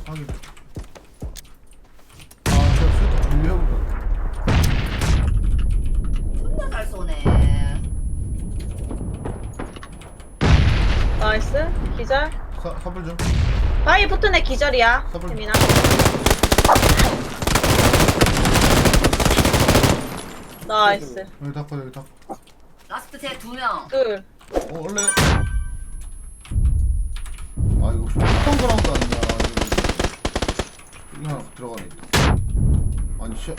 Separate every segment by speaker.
Speaker 1: 확인. 아, 저 수도 돌려보다.
Speaker 2: 존나 잘 쏘네.
Speaker 3: 나이스. 기절.
Speaker 1: 사불 좀.
Speaker 3: 바위 붙은 애 기절이야.
Speaker 1: 서블.
Speaker 3: 태민아. 나이스.
Speaker 1: 여기 닦고 여기 닦고.
Speaker 2: 라스트 제 2명.
Speaker 3: 둘.
Speaker 1: 원래. 아 이거 어떤 그라운드 아니냐. 여기 하나 들어가네. 아니 씨.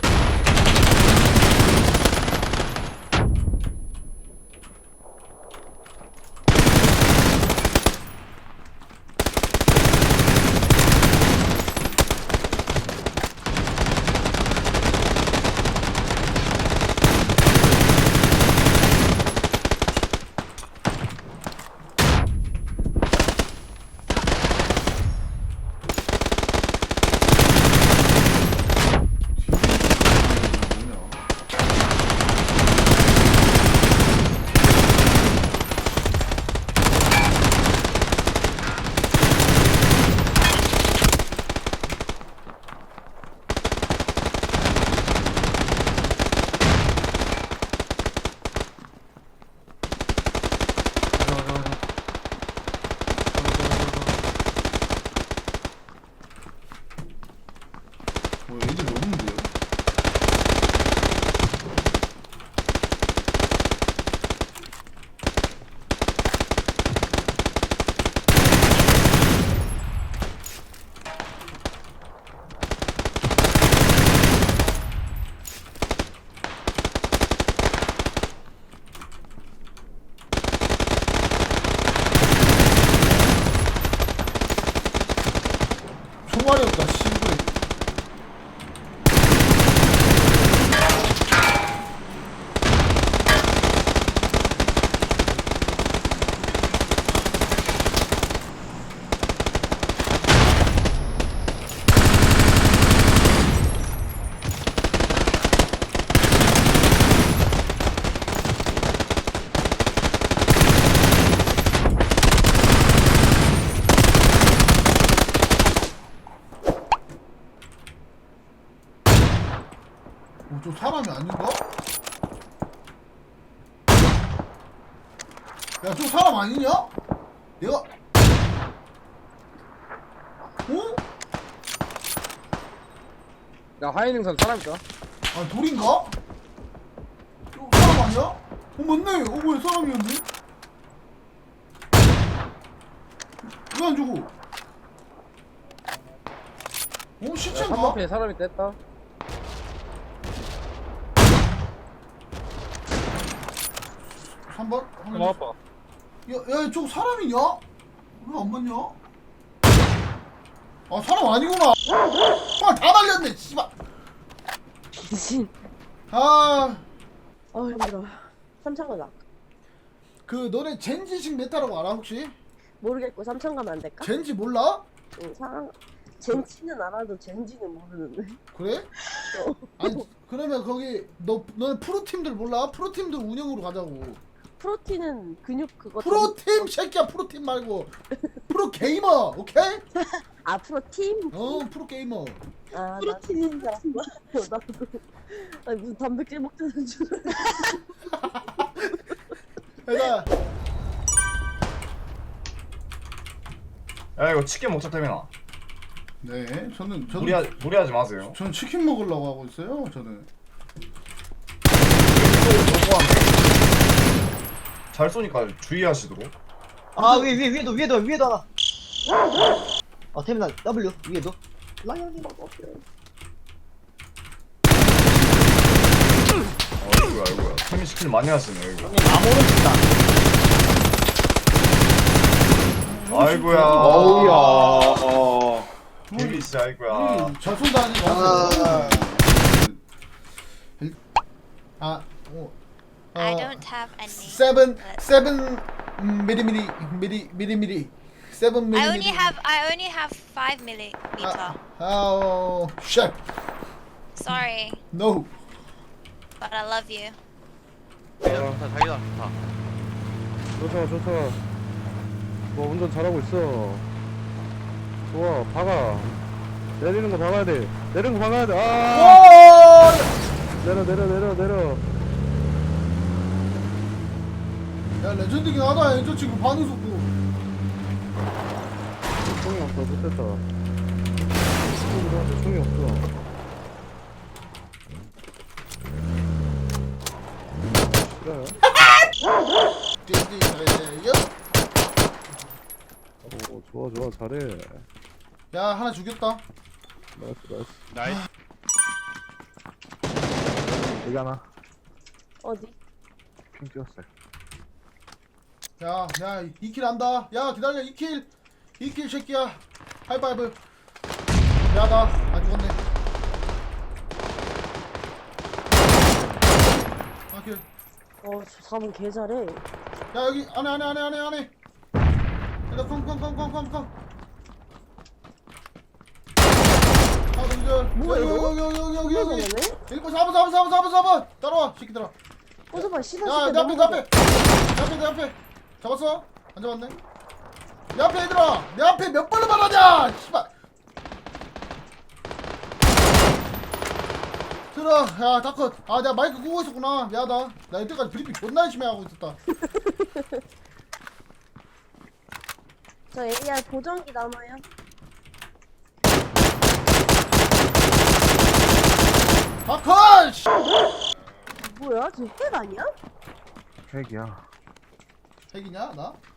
Speaker 1: 뭐 애들 없는데요? 총알이 없다 씨발. 저 사람이 아닌가? 야, 저 사람 아니냐? 얘가 어?
Speaker 4: 야 하이능선 사람 있다.
Speaker 1: 아, 돌인가? 저 사람 아니야? 맞네. 뭐야, 사람이었네? 왜 안 죽어? 시체인가?
Speaker 4: 3번편에 사람이 뗐다.
Speaker 1: 3번?
Speaker 4: 아빠.
Speaker 1: 야, 저거 사람이냐? 왜 안 맞냐? 아, 사람 아니구나. 아, 다 날렸네, 씨발.
Speaker 5: 진.
Speaker 1: 아,
Speaker 5: 힘들어. 삼천
Speaker 1: 그 너네 젠지식 메타라고 알아 혹시?
Speaker 5: 모르겠고 삼천 가면 안 될까?
Speaker 1: 젠지 몰라?
Speaker 5: 응, 젠치는 알아도 젠지는 모르는데.
Speaker 1: 그래? 아니 그러면 거기 너는 프로팀들 몰라? 프로팀들 운영으로 가자고.
Speaker 5: 프로틴은 근육 그거.
Speaker 1: 프로팀 새끼야, 프로팀 말고 프로게이머, 오케이?
Speaker 5: 아 프로팀?
Speaker 1: 프로게이머.
Speaker 5: 아 프로틴인 줄 알았어. 나도. 아니 무슨 단백질 먹자는 줄.
Speaker 1: 얘들아,
Speaker 6: 야 이거 치킨 먹자 태민아.
Speaker 1: 네, 저는
Speaker 6: 무리하지 마세요.
Speaker 1: 전 치킨 먹으려고 하고 있어요. 저는.
Speaker 6: 잘 쏘니까 주의하시도록.
Speaker 7: 아 위에도 하나. 태민아 W 위에도. 라이언이
Speaker 6: 아이고야. 태민 스킬 많이 하시네 이거. 아이고야.
Speaker 4: 어우야.
Speaker 6: 태민 씨 아이고야.
Speaker 1: 잘 쏜다 하니까.
Speaker 8: I don't have any.
Speaker 1: 세븐 미리미리 7
Speaker 8: I only
Speaker 1: 미리미리.
Speaker 8: have 5 millimeter.
Speaker 1: Oh shit.
Speaker 8: Sorry,
Speaker 1: No.
Speaker 8: but I love you.
Speaker 4: 좋다. 뭐 운전 잘하고 있어. 좋아 박아. 내리는 거 박아야 돼. 내리는 거 박아야 돼. 아!
Speaker 1: 와!
Speaker 4: 내려.
Speaker 1: 야 레전드긴 하다. 저 친구 반응 속도.
Speaker 4: 총이 없어. 못했다. 총이 없어. 그래요?
Speaker 1: 띠띠띠띠.
Speaker 4: 오, 좋아. 잘해.
Speaker 1: 야 하나 죽였다.
Speaker 4: 나이스. 여기 하나.
Speaker 5: 어디?
Speaker 4: 핑 찍었어요.
Speaker 1: 야 2킬 한다. 야 기다려 2킬 새끼야. 하이파이브. 야나 안 죽었네. 4킬.
Speaker 5: 저 4번 개 잘해.
Speaker 1: 야 여기 안에. 야 컴. 아 동절.
Speaker 5: 뭐야, 이거?
Speaker 1: 여기.
Speaker 5: 이거네?
Speaker 1: 1번 4번 따라와 새끼들아.
Speaker 5: 잠깐 시선
Speaker 1: 야, 내 앞에. 잡았어? 안 잡았네? 내 앞에 얘들아! 내 앞에 몇 번을 말하냐! 씨발! 들어, 야, 다컷. 아, 내가 마이크 끄고 있었구나. 미안하다. 나 이때까지 브리핑 존나 열심히 하고 있었다.
Speaker 5: 저 AR 보정기 남아요.
Speaker 1: 다컷! 씨!
Speaker 5: 뭐야? 저 핵 아니야?
Speaker 4: 핵이야.
Speaker 1: 핵이냐, 나?